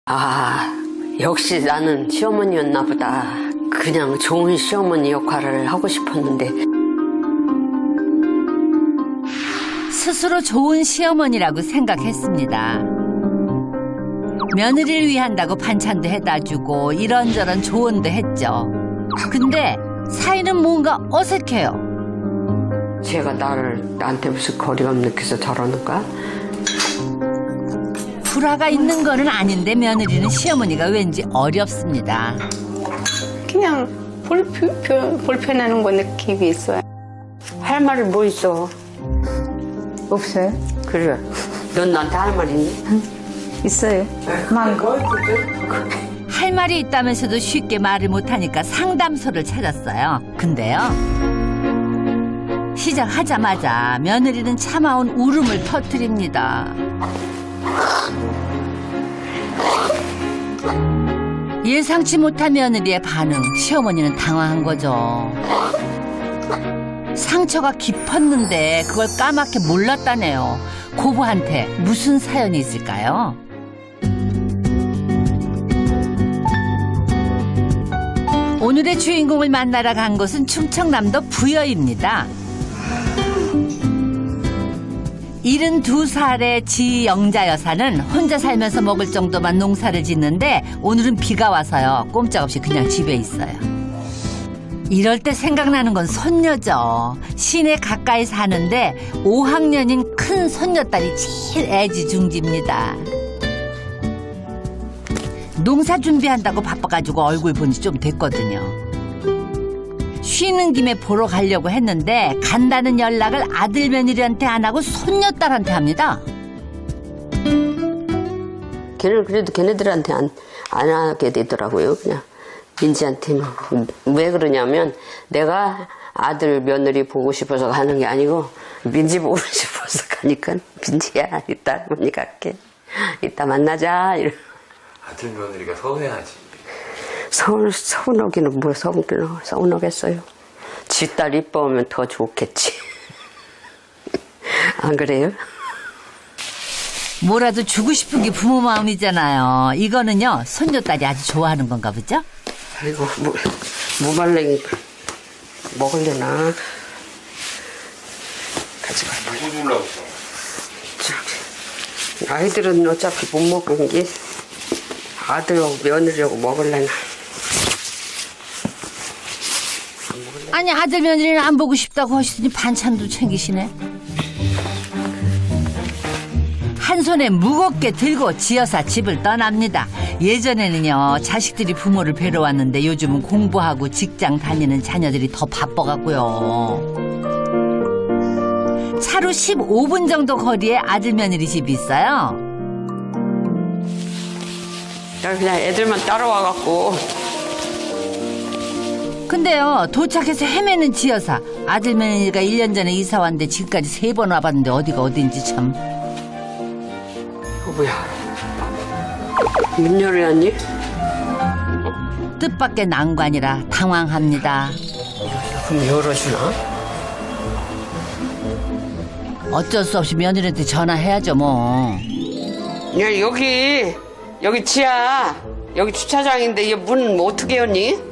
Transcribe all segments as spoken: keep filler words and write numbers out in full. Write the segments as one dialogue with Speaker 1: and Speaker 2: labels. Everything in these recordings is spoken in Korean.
Speaker 1: 아, 역시 나는 시어머니였나 보다. 그냥 좋은 시어머니 역할을 하고 싶었는데.
Speaker 2: 스스로 좋은 시어머니라고 생각했습니다. 며느리를 위한다고 반찬도 해다 주고 이런저런 조언도 했죠. 근데 사이는 뭔가 어색해요.
Speaker 1: 제가 나를, 나한테 무슨 거리감 느껴서 저러는가?
Speaker 2: 불화가 있는 거는 아닌데 며느리는 시어머니가 왠지 어렵습니다.
Speaker 3: 그냥 불편, 불편하는 거 느낌이 있어요.
Speaker 1: 할 말이 뭐 있어?
Speaker 3: 없어요?
Speaker 1: 그래. 넌 나한테 할 말 있니?
Speaker 3: 있어요. 많고.
Speaker 2: 할 말이 있다면서도 쉽게 말을 못하니까 상담소를 찾았어요. 근데요. 시작하자마자 며느리는 참아온 울음을 터뜨립니다. 예상치 못한 며느리의 반응, 시어머니는 당황한 거죠. 상처가 깊었는데 그걸 까맣게 몰랐다네요. 고부한테 무슨 사연이 있을까요? 오늘의 주인공을 만나러 간 곳은 충청남도 부여입니다. 일흔두 살의 지영자 여사는 혼자 살면서 먹을 정도만 농사를 짓는데 오늘은 비가 와서요. 꼼짝없이 그냥 집에 있어요. 이럴 때 생각나는 건 손녀죠. 시내 가까이 사는데 오 학년인 큰 손녀딸이 제일 애지중지입니다. 농사 준비한다고 바빠가지고 얼굴 본 지 좀 됐거든요. 쉬는 김에 보러 가려고 했는데 간다는 연락을 아들 며느리한테 안 하고 손녀딸한테 합니다.
Speaker 1: 걔는 그래도 걔네들한테 안, 안 하게 되더라고요. 그냥 민지한테는. 왜 그러냐면 내가 아들 며느리 보고 싶어서 가는 게 아니고 민지 보고 싶어서 가니까 민지야 이따 할머니 갈게. 이따 만나자. 이러.
Speaker 4: 아들 며느리가 서운해하지.
Speaker 1: 서운, 서운하기는 뭐 서운하기는 서운하겠어요. 지 딸 이뻐하면 더 좋겠지. 안 그래요?
Speaker 2: 뭐라도 주고 싶은 게 부모 마음이잖아요. 이거는요 손녀딸이 아주 좋아하는 건가 보죠?
Speaker 1: 아이고 무, 무말랭이 먹으려나. 가져가.
Speaker 4: 누구 주려고 했어?
Speaker 1: 저기 아이들은 어차피 못 먹은 게 아들하고 며느리하고 먹으려나.
Speaker 2: 아니 아들 며느리는 안 보고 싶다고 하시더니 반찬도 챙기시네. 한 손에 무겁게 들고 지여사 집을 떠납니다. 예전에는요 자식들이 부모를 뵈러 왔는데 요즘은 공부하고 직장 다니는 자녀들이 더 바빠갖고요. 차로 십오 분 정도 거리에 아들 며느리 집이 있어요.
Speaker 1: 그냥 애들만 따라와갖고.
Speaker 2: 근데요 도착해서 헤매는 지여사. 아들 며느리가 일 년 전에 이사 왔는데 지금까지 세 번 와봤는데 어디가 어딘지 참.
Speaker 1: 어, 뭐야? 문 열어야니?
Speaker 2: 뜻밖의 난관이라 당황합니다.
Speaker 1: 그럼 열어주나?
Speaker 2: 어쩔 수 없이 며느리한테 전화해야죠 뭐.
Speaker 1: 야 여기 여기 지하 여기 주차장인데 이 문 뭐 어떻게 열니?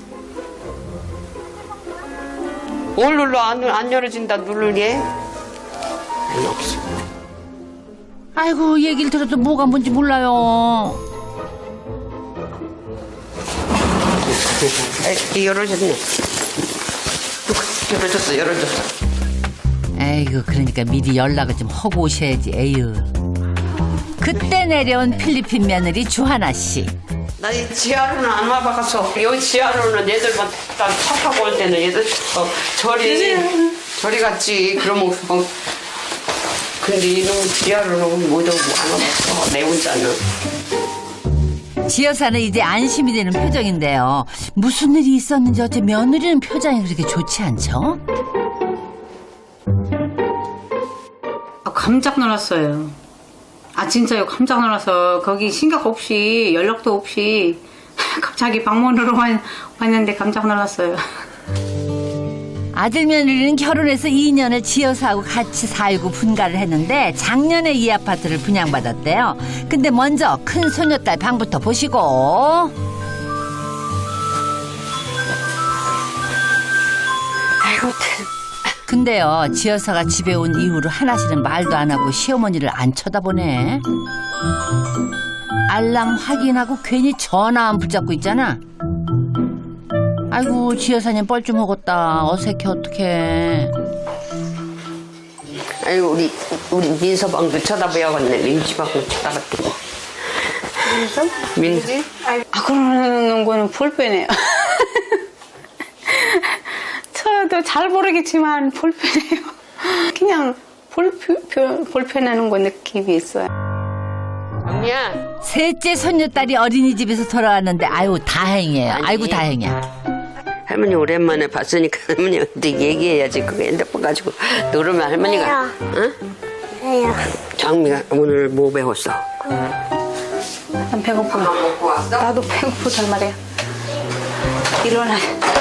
Speaker 1: 뭘 눌러? 안, 안 열어진다 누르니? 아니 없어.
Speaker 2: 아이고 얘기를 들어도 뭐가 뭔지 몰라요.
Speaker 1: 에이, 열어졌네. 열어줬어 열어줬어.
Speaker 2: 에이구 그러니까 미리 연락을 좀 하고 오셔야지. 에휴. 그때 내려온 필리핀 며느리 주하나 씨.
Speaker 1: 나 이 지하로는 안 와봐서 여기 지하로는 얘들만 다 차 타고 올 때는 얘들 어, 저리 저리 갔지. 그러면 어, 근데 이놈 지하로는 못 오고 안 와봤어. 내 혼자는.
Speaker 2: 지여사는 이제 안심이 되는 표정인데요. 무슨 일이 있었는지 어째 며느리는 표정이 그렇게 좋지 않죠?
Speaker 3: 아, 깜짝 놀랐어요. 아 진짜요. 깜짝 놀라서 거기 생각 없이 연락도 없이 갑자기 방문으로 왔는데 깜짝 놀랐어요.
Speaker 2: 아들 며느리는 결혼해서 이 년을 지여사하고 같이 살고 분가를 했는데 작년에 이 아파트를 분양받았대요. 근데 먼저 큰 소녀딸 방부터 보시고.
Speaker 1: 아이고,
Speaker 2: 근데요, 지여사가 집에 온 이후로 하나씩은 말도 안 하고 시어머니를 안 쳐다보네. 알람 확인하고 괜히 전화만 붙잡고 있잖아. 아이고, 지여사님 뻘쭘 먹었다. 어색해, 어떡해.
Speaker 1: 아이고, 우리, 우리 민서방도 쳐다봐야겠네. 민지방도 쳐다봤대.
Speaker 3: 민서?
Speaker 1: 민서?
Speaker 3: 아, 그러는 거는 불편해요. 저도 잘 모르겠지만 불편해요. 그냥 불편, 불편하는 거 느낌이 있어요.
Speaker 1: 언니야.
Speaker 2: 셋째 손녀딸이 어린이집에서 돌아왔는데 아유 다행이에요.
Speaker 1: 아니.
Speaker 2: 아이고 다행이야.
Speaker 1: 할머니 오랜만에 봤으니까 할머니한테 얘기해야지. 그거 핸드폰 가지고 누르면 할머니가. 응?
Speaker 5: 왜요?
Speaker 1: 장미가 오늘 뭐 배웠어?
Speaker 3: 난 배고파.
Speaker 1: 먹고 왔어?
Speaker 3: 나도 배고프단 말이야. 일어나.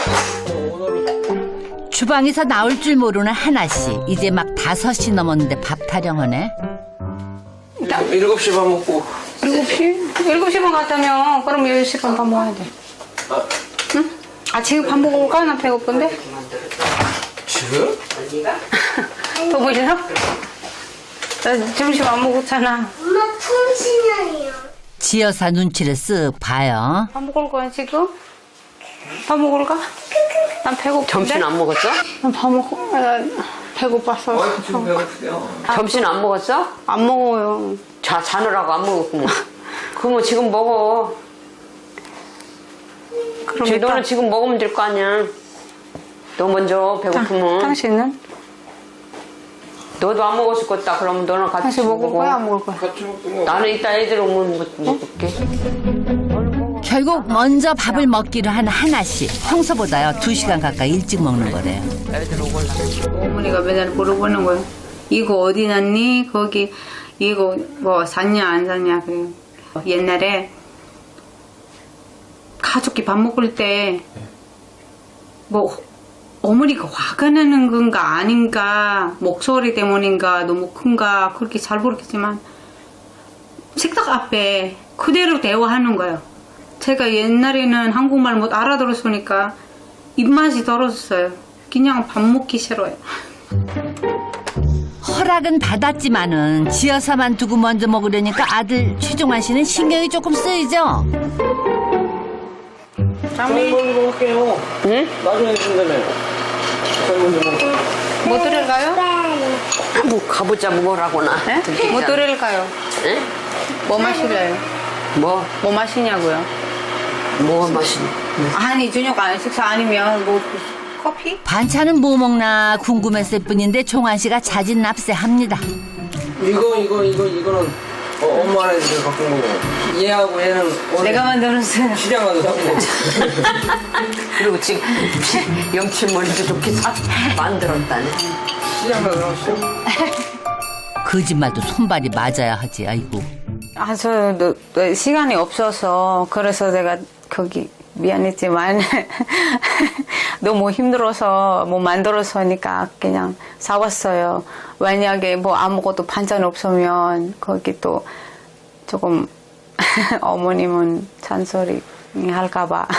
Speaker 2: 주방에서 나올 줄 모르는 하나씨. 이제 막 다섯이 넘었는데 밥 타령하네.
Speaker 4: 일곱 시 밥 먹고.
Speaker 3: 일곱 시? 일곱 시 반 갔다며. 그럼 열 시 반 밥 먹어야 돼.
Speaker 4: 아,
Speaker 3: 응? 아, 지금 밥 먹을까? 나 배고픈데?
Speaker 4: 지금?
Speaker 3: 더 보시죠? 나 점심 안 먹었잖아.
Speaker 5: 엄마 풍신형이요.
Speaker 2: 지여사 눈치를 쓱 봐요.
Speaker 3: 밥 먹을 거야, 지금? 밥 먹을까? 난 배고픈데?
Speaker 1: 점심 안 먹었어?
Speaker 3: 난 밥 먹고, 나 배고파서.
Speaker 4: 어, 지금 배고프대요.
Speaker 1: 점심 안 먹었어?
Speaker 3: 안 먹어요.
Speaker 1: 자, 자느라고 안 먹었구만. 그러면 지금 먹어.
Speaker 3: 그럼
Speaker 1: 지-
Speaker 3: 일단-
Speaker 1: 너는 지금 먹으면 될 거 아니야. 너 먼저 배고프면.
Speaker 3: 당신은?
Speaker 1: 너도 안 먹었을 거다. 그러면 너는 같이
Speaker 3: 당신 먹을
Speaker 1: 먹어.
Speaker 3: 거야, 안 먹을 거야?
Speaker 4: 같이 먹고 뭐.
Speaker 1: 나는 이따 애들 오면 먹- 먹을게.
Speaker 2: 결국 먼저 밥을 먹기로 한 하나씨. 평소보다요 두 시간 가까이 일찍 먹는 거래요.
Speaker 1: 애들 오걸라.
Speaker 3: 어머니가 맨날 물어보는 거예요. 이거 어디 났니? 거기 이거 뭐 샀냐 안 샀냐 그래요. 옛날에 가족이 밥 먹을 때 뭐 어머니가 화가 나는 건가 아닌가 목소리 때문인가 너무 큰가 그렇게 잘 모르겠지만 식탁 앞에 그대로 대화하는 거예요. 제가 옛날에는 한국말 못 알아들었으니까 입맛이 떨어졌어요. 그냥 밥 먹기 싫어요.
Speaker 2: 허락은 받았지만은 지여사만 두고 먼저 먹으려니까 아들 최종환 씨는 신경이 조금 쓰이죠.
Speaker 4: 장미 먼저 먹을게요.
Speaker 1: 응?
Speaker 4: 나중에 준다며. 저희 먼저 먹을게.
Speaker 3: 뭐 드릴까요?
Speaker 1: 뭐 가보자 뭐라고나.
Speaker 3: 네? 뭐 드릴까요?
Speaker 1: 응?
Speaker 3: 뭐 마실래요?
Speaker 1: 뭐?
Speaker 3: 뭐 마시냐고요?
Speaker 1: 뭐가 맛있니?
Speaker 3: 아니 저녁 안 식사 아니면 뭐 커피?
Speaker 2: 반찬은 뭐 먹나 궁금했을 뿐인데 종환 씨가 자진 납세합니다.
Speaker 4: 이거, 이거, 이거, 이거는 어, 엄마 애들 갖고 먹어. 얘하고 얘는 오늘
Speaker 3: 내가 만들었어요.
Speaker 4: 시장 가서 사고 먹어.
Speaker 1: 그리고 지금 염치머리도 좋게 사 만들었다네.
Speaker 4: 시장 가서 사고.
Speaker 2: 거짓말도 손발이 맞아야 하지. 아이고.
Speaker 3: 아, 저 너, 너, 시간이 없어서 그래서 내가 거기 미안했지만 너무 힘들어서 뭐 만들어서 하니까 그냥 사왔어요. 만약에 뭐 아무것도 반찬 없으면 거기 또 조금 어머님은 잔소리 할까봐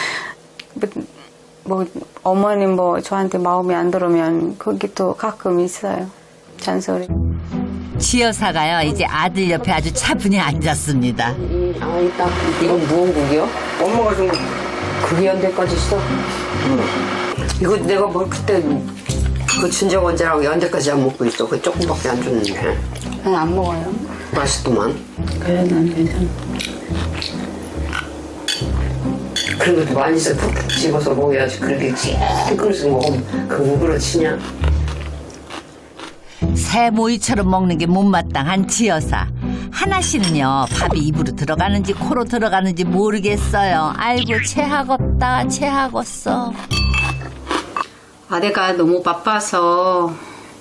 Speaker 3: 뭐 어머님 뭐 저한테 마음에 안 들으면 거기 또 가끔 있어요. 잔소리.
Speaker 2: 지여사가요 이제 아들 옆에 아주 차분히 앉았습니다.
Speaker 1: 이, 아, 이따 이건 무언국이요?
Speaker 4: 엄마가 좀
Speaker 1: 그게 연대까지 있어? 이거 내가 뭐 그때 그 친정 언제라고 연대까지 안 먹고 있어. 그 조금밖에 안 줬는데.
Speaker 3: 난 안 먹어요.
Speaker 1: 맛있더만.
Speaker 3: 그래, 난 괜찮아.
Speaker 1: 그런 것도 많이 써 푹푹 집어서 먹어야지. 그렇게 한 그릇을 먹으면 그거 그렇지냐?
Speaker 2: 새 모이처럼 먹는 게 못마땅한 지여사. 하나씨는요 밥이 입으로 들어가는지 코로 들어가는지 모르겠어요. 아이고 체하겄다 체하겄어.
Speaker 3: 아내가 너무 바빠서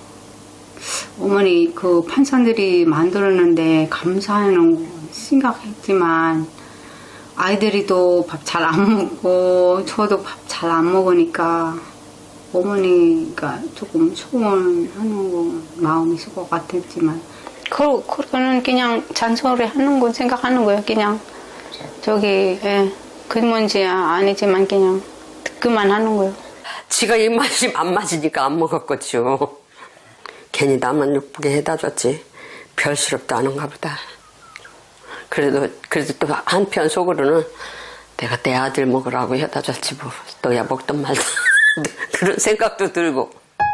Speaker 3: 어머니 그 판찬들이 만들었는데 감사하는 거 생각했지만 아이들이 또 밥 잘 안 먹고 저도 밥 잘 안 먹으니까 어머니가 조금 서운하는 거 마음이 있을 것 같았지만 그, 그거는 그냥 잔소리 하는 거 생각하는 거예요. 그냥 저기 예, 그 문제야 아니지만 그냥 듣기만 하는 거예요.
Speaker 1: 지가 입맛이 안 맞으니까 안 먹었겠죠. 괜히 나만 예쁘게 해다 줬지. 별스럽도 않은가 보다. 그래도 그래도 또 한편 속으로는 내가 내 아들 먹으라고 해다 줬지 뭐. 너야 먹던 말도 그런 생각도 들고.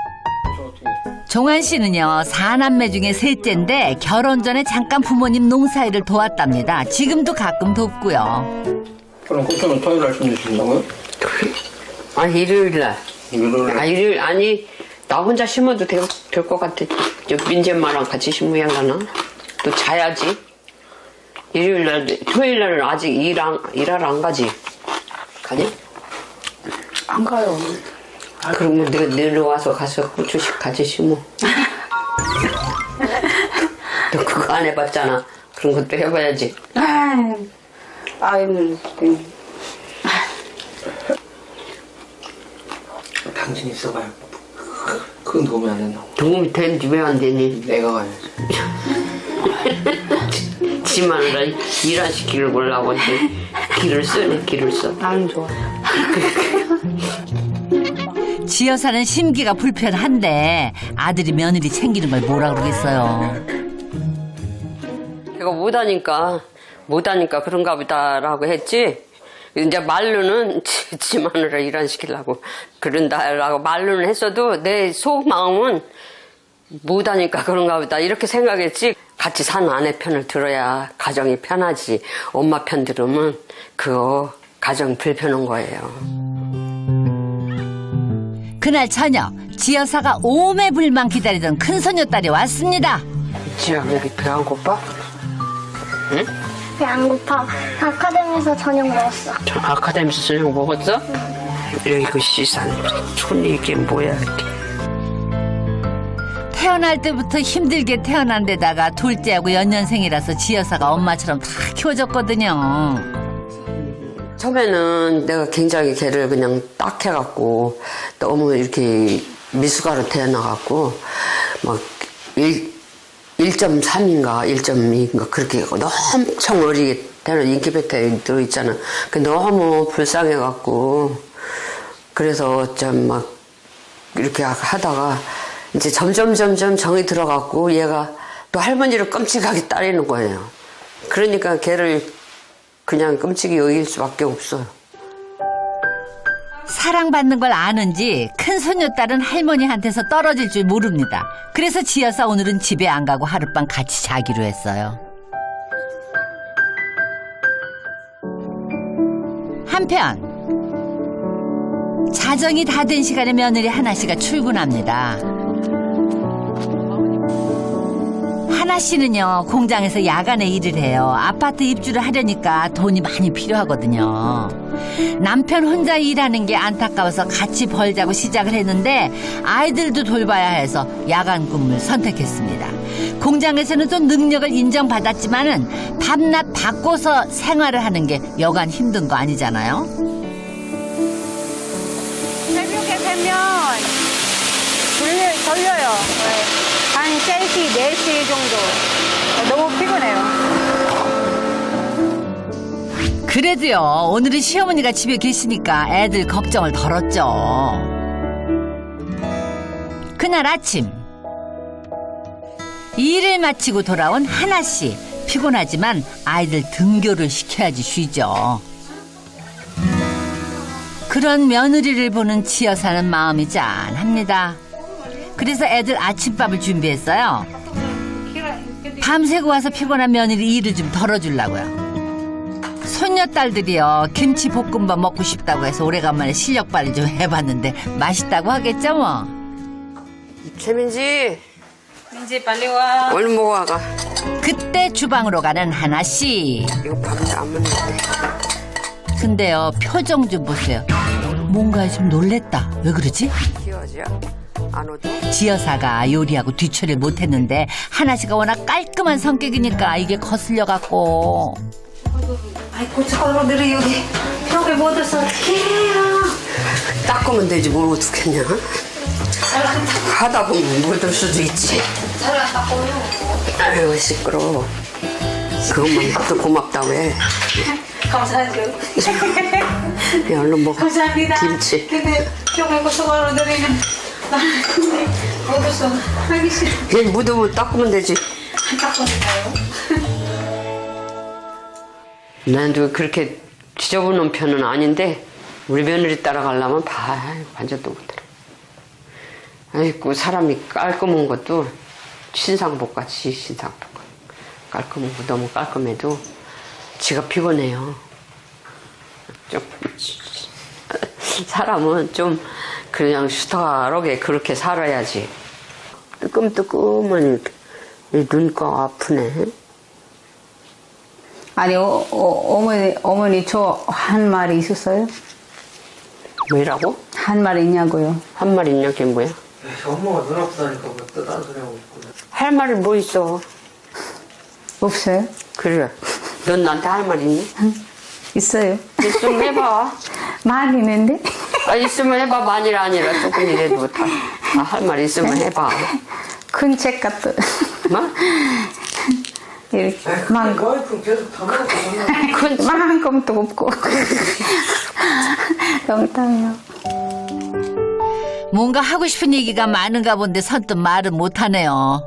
Speaker 2: 종환 씨는요 사남매 중에 셋째인데 결혼 전에 잠깐 부모님 농사일을 도왔답니다. 지금도 가끔 돕고요.
Speaker 4: 그럼 고추는 토요일 날 심으신다고요?
Speaker 1: 아 일요일 날.
Speaker 4: 일요일
Speaker 1: 아 일요일 아니 나 혼자 심어도 될 것 같아. 저 민지 엄마랑 같이 심어야 하나? 또 자야지. 일요일 날 토요일 날은 아직 일안 일하러 안 가지. 가냐?
Speaker 3: 안 가요.
Speaker 1: 아, 그러면 내가 내려와서 가서 고추씩 같이 심어. 너 그거 안 해봤잖아. 그런 것도 해봐야지.
Speaker 3: 아유, 아유,
Speaker 4: 당신 있어봐요. 큰 도움이 안 된다고.
Speaker 1: 도움이 되는지 왜 안 되니?
Speaker 4: 내가 가야지.
Speaker 1: 지 마누라 일 안 시키려고 하려고 이제 길을 쓰네, 길을 써.
Speaker 3: 안 좋아.
Speaker 2: 지 여사는 심기가 불편한데 아들이 며느리 챙기는 걸 뭐라 그러겠어요.
Speaker 1: 내가 못하니까, 못하니까 그런가 보다라고 했지. 이제 말로는 지, 지 마누라 일 안 시키려고 그런다라고 말로는 했어도 내 속마음은 못하니까 그런가 보다 이렇게 생각했지. 같이 사는 아내 편을 들어야 가정이 편하지. 엄마 편 들으면 그거 가정 불편한 거예요.
Speaker 2: 그날 저녁 지 여사가 오매불망 기다리던 큰소녀딸이 왔습니다.
Speaker 1: 지야 왜 이렇게 배 안 고파? 응?
Speaker 5: 배 안 고파. 아카데미에서 저녁 먹었어.
Speaker 1: 저 아카데미에서 저녁 먹었어? 응. 이거 시산 촌이 이게 뭐야 이렇게.
Speaker 2: 태어날 때부터 힘들게 태어난 데다가 둘째하고 연년생이라서 지 여사가 엄마처럼 다 키워줬거든요.
Speaker 1: 처음에는 내가 굉장히 걔를 그냥 딱 해갖고 너무 이렇게 미숙아로 태어나갖고 막 일, 일 점 삼인가 일 점 이인가 그렇게 너무 엄청 어리게 태어나 인큐베이터에 들어있잖아. 그 너무 불쌍해갖고 그래서 좀 막 이렇게 하다가 이제 점점 점점 정이 들어갖고 얘가 또 할머니를 끔찍하게 따르는 거예요. 그러니까 걔를 그냥 끔찍이 여길 수밖에 없어요.
Speaker 2: 사랑받는 걸 아는지 큰 손녀딸은 할머니한테서 떨어질 줄 모릅니다. 그래서 지 여사 오늘은 집에 안 가고 하룻밤 같이 자기로 했어요. 한편 자정이 다 된 시간에 며느리 하나씨가 출근합니다. 하나씨는요 공장에서 야간에 일을 해요. 아파트 입주를 하려니까 돈이 많이 필요하거든요. 남편 혼자 일하는 게 안타까워서 같이 벌자고 시작을 했는데 아이들도 돌봐야 해서 야간 근무를 선택했습니다. 공장에서는 또 능력을 인정받았지만은 밤낮 바꿔서 생활을 하는 게 여간 힘든 거 아니잖아요.
Speaker 3: 새벽에 되면 졸려, 졸려요. 한 세 시, 네 시 정도. 너무 피곤해요.
Speaker 2: 그래도요 오늘은 시어머니가 집에 계시니까 애들 걱정을 덜었죠. 그날 아침 일을 마치고 돌아온 하나씨. 피곤하지만 아이들 등교를 시켜야지 쉬죠. 그런 며느리를 보는 지 여사는 마음이 짠합니다. 그래서 애들 아침밥을 준비했어요. 밤새고 와서 피곤한 며느리 일을 좀 덜어주려고요. 손녀딸들이요 김치 볶음밥 먹고 싶다고 해서 오래간만에 실력 발휘 좀 해봤는데 맛있다고 하겠죠 뭐.
Speaker 1: 최민지
Speaker 3: 민지 빨리 와.
Speaker 1: 얼른 먹어가.
Speaker 2: 그때 주방으로 가는 하나씨.
Speaker 1: 이거 밥을 안 먹는데.
Speaker 2: 근데요 표정 좀 보세요. 뭔가에 좀 놀랬다. 왜 그러지?
Speaker 1: 키워져? 안 오죠?
Speaker 2: 지 여사가 요리하고 뒤처리를 못했는데 하나씨가 워낙 깔끔한 성격이니까 이게 거슬려갖고
Speaker 3: 아이 고춧가루들이 여기 벽에 묻어서 어떡해요.
Speaker 1: 닦으면 되지 뭘 어떡했냐? 하다 보면 묻을 수도 있지. 아유 시끄러워. 그것만 해도 고맙다고 해.
Speaker 3: 감사하죠.
Speaker 1: 야, 얼른 먹어.
Speaker 3: 감사합니다.
Speaker 1: 김치.
Speaker 3: 근데 정말 고소하러 드리는 나는 근데 먹어서 하기 싫어.
Speaker 1: 그냥 묻으면 닦으면 되지.
Speaker 3: 닦아줄까요?
Speaker 1: 난도 그렇게 지저분한 편은 아닌데 우리 며느리 따라가려면 봐 완전 또 못해. 아이고 사람이 깔끔한 것도 신상복같이 신상복. 깔끔한 거 너무 깔끔해도 지가 피곤해요. 좀 사람은 좀 그냥 수다하게 그렇게 살아야지. 뜨끔뜨끔한 눈가 아프네.
Speaker 3: 아니 어, 어, 어머니 어머니 저 한 마리 있었어요?
Speaker 1: 뭐라고?
Speaker 3: 한 마리 있냐고요?
Speaker 1: 한 마리 있냐 그게 뭐야?
Speaker 4: 엄마가 눈 아프다니까 뭐 딴 소리 하고 있구나.
Speaker 1: 할 말이 뭐 있어?
Speaker 3: 없어요?
Speaker 1: 그래. 넌 나한테 할 말 있니?
Speaker 3: 있어요.
Speaker 1: 있으면 해봐.
Speaker 3: 많이 있는데?
Speaker 1: 아, 있으면 해봐. 만일 아니라 조금이라도 다 할 말 있으면 해봐.
Speaker 3: 큰 책 같은.
Speaker 1: 뭐?
Speaker 3: 이렇게
Speaker 4: 아이,
Speaker 3: 만
Speaker 4: 근데 와이프는 계속 다 먹고 다
Speaker 1: 큰
Speaker 3: 만큼도 없고. 농담이요.
Speaker 2: 뭔가 하고 싶은 얘기가 많은가 본데 선뜻 말은 못하네요.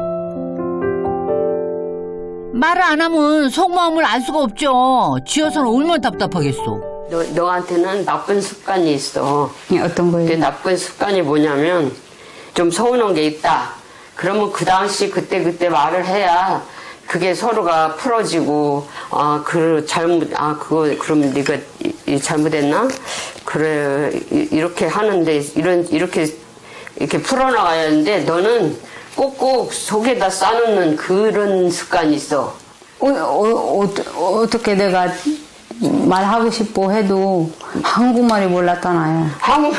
Speaker 2: 말을 안 하면 속마음을 알 수가 없죠. 지어서는 얼마나 답답하겠어.
Speaker 1: 너, 너한테는 나쁜 습관이 있어.
Speaker 3: 예, 어떤
Speaker 1: 그
Speaker 3: 거예요?
Speaker 1: 나쁜 습관이 뭐냐면 좀 서운한 게 있다. 그러면 그 당시 그때 그때 말을 해야 그게 서로가 풀어지고 아 그 잘못 아 그거 그럼 네가 이, 이 잘못했나? 그래 이, 이렇게 하는데 이런 이렇게 이렇게 풀어나가야 하는데 너는 꼭꼭 속에다 싸놓는 그런 습관이 있어.
Speaker 3: 어, 어, 어, 어떻게 내가 말하고 싶어 해도 한국말이 몰랐잖아요.
Speaker 1: 한국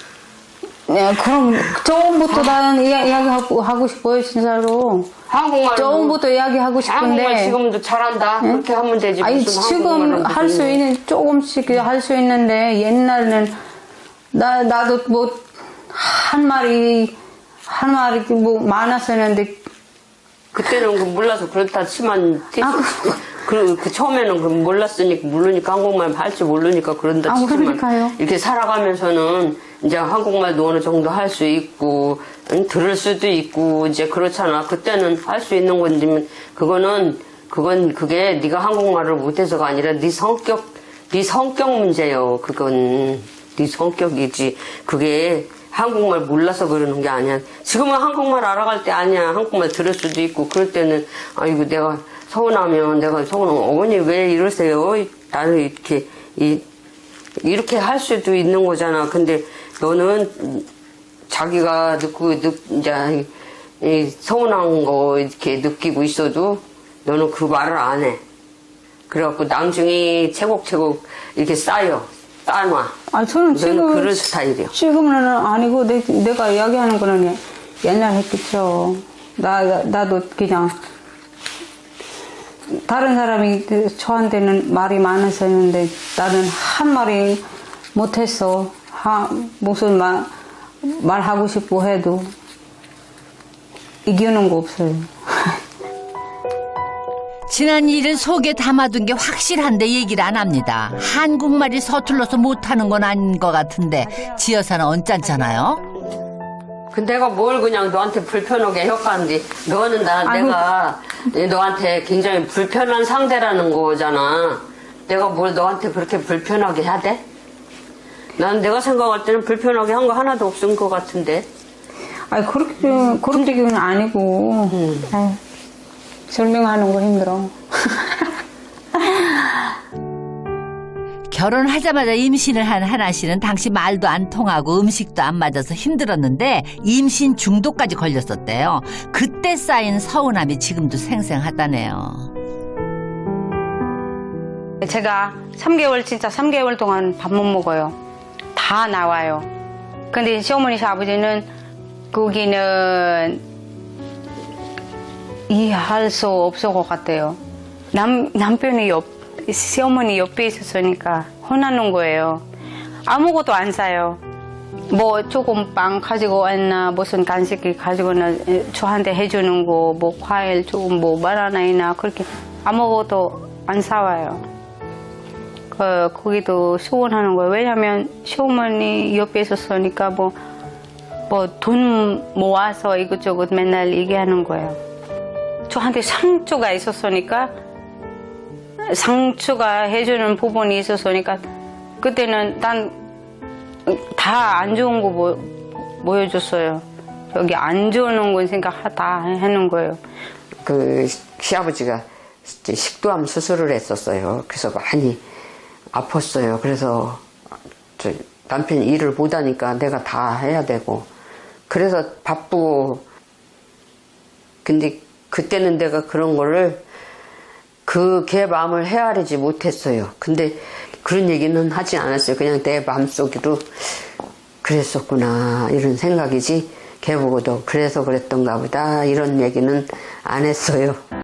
Speaker 3: 네, 그럼 처음부터 나는 이야, 이야기하고 하고 싶어요, 진짜로.
Speaker 1: 한국말
Speaker 3: 처음부터 이야기하고
Speaker 1: 한국말
Speaker 3: 싶은데.
Speaker 1: 지금도 잘한다. 그렇게 하면 되지.
Speaker 3: 아니,
Speaker 1: 무슨
Speaker 3: 지금
Speaker 1: 한국말을
Speaker 3: 할 수
Speaker 1: 그러니.
Speaker 3: 있는, 조금씩 할 수 있는데, 옛날에는, 나, 나도 뭐, 한 마리, 한 마리 뭐 많았었는데,
Speaker 1: 그때는 그 몰라서 그렇다 치만
Speaker 3: 아,
Speaker 1: 그, 그 처음에는 그 몰랐으니까 모르니까 한국말 할 줄 모르니까 그런다
Speaker 3: 아,
Speaker 1: 치지만
Speaker 3: 그러니까요.
Speaker 1: 이렇게 살아가면서는 이제 한국말도 어느 정도 할 수 있고 응, 들을 수도 있고 이제 그렇잖아. 그때는 할 수 있는 건지 그거는 그건 그게 네가 한국말을 못해서가 아니라 네 성격 네 성격 문제요. 그건 네 성격이지. 그게 한국말 몰라서 그러는 게 아니야. 지금은 한국말 알아갈 때 아니야. 한국말 들을 수도 있고 그럴 때는 아이고 내가 서운하면 내가 서운하면 어머니 왜 이러세요? 나는 이렇게 이, 이렇게 할 수도 있는 거잖아. 근데 너는 자기가 느끼고 느, 이제 이 서운한 거 이렇게 느끼고 있어도 너는 그 말을 안 해. 그래갖고 나중에 채곡채곡 이렇게 쌓여 쌓아놔.
Speaker 3: 아, 저는
Speaker 1: 너는
Speaker 3: 지금.
Speaker 1: 그런 스타일이야.
Speaker 3: 지금은 아니고, 내, 내가 이야기하는 거는 옛날 했겠죠. 나, 나도 그냥, 다른 사람이 저한테는 말이 많았었는데, 나는 한 말이 못했어. 하, 무슨 말, 말하고 싶어 해도, 이기는 거 없어요.
Speaker 2: 지난 일은 속에 담아둔 게 확실한데 얘기를 안 합니다. 한국말이 서툴러서 못하는 건 아닌 것 같은데 지어서는 언짢잖아요.
Speaker 1: 그 내가 뭘 그냥 너한테 불편하게 해왔는데 너는 나
Speaker 3: 아이고.
Speaker 1: 내가 너한테 굉장히 불편한 상대라는 거잖아. 내가 뭘 너한테 그렇게 불편하게 해야 돼? 난 내가 생각할 때는 불편하게 한 거 하나도 없은 것 같은데.
Speaker 3: 아니, 그렇게, 그런 얘기는 아니고, 아유, 설명하는 거 힘들어.
Speaker 2: 결혼하자마자 임신을 한 하나 씨는 당시 말도 안 통하고 음식도 안 맞아서 힘들었는데 임신 중독까지 걸렸었대요. 그때 쌓인 서운함이 지금도 생생하다네요.
Speaker 3: 제가 삼 개월, 진짜 삼 개월 동안 밥 못 먹어요. 다 나와요. 근데 시어머니, 시아버지는 거기는 이해할 수 없을 것 같아요. 남, 남편이 옆, 시어머니 옆에 있었으니까 혼나는 거예요. 아무것도 안 사요. 뭐 조금 빵 가지고 왔나 무슨 간식을 가지고는 저한테 해주는 거 뭐 과일 조금 뭐 바나나이나 그렇게 아무것도 안 사와요. 그 거기도 서운하는 거예요. 왜냐면 시어머니 옆에 있었으니까 뭐 뭐 돈 모아서 이것저것 맨날 얘기하는 거예요. 저한테 상처가 있었으니까 상처가 해주는 부분이 있었으니까 그때는 난 다 안 좋은 거 보, 보여줬어요. 여기 안 좋은 건 생각하다 하는 거예요.
Speaker 1: 그 시아버지가 이제 식도암 수술을 했었어요. 그래서 많이 아팠어요. 그래서 저 남편이 일을 못하니까 내가 다 해야 되고 그래서 바쁘고 근데 그때는 내가 그런 거를 그 걔 마음을 헤아리지 못했어요. 근데 그런 얘기는 하지 않았어요. 그냥 내 마음속으로 그랬었구나 이런 생각이지 걔 보고도 그래서 그랬던가 보다 이런 얘기는 안 했어요.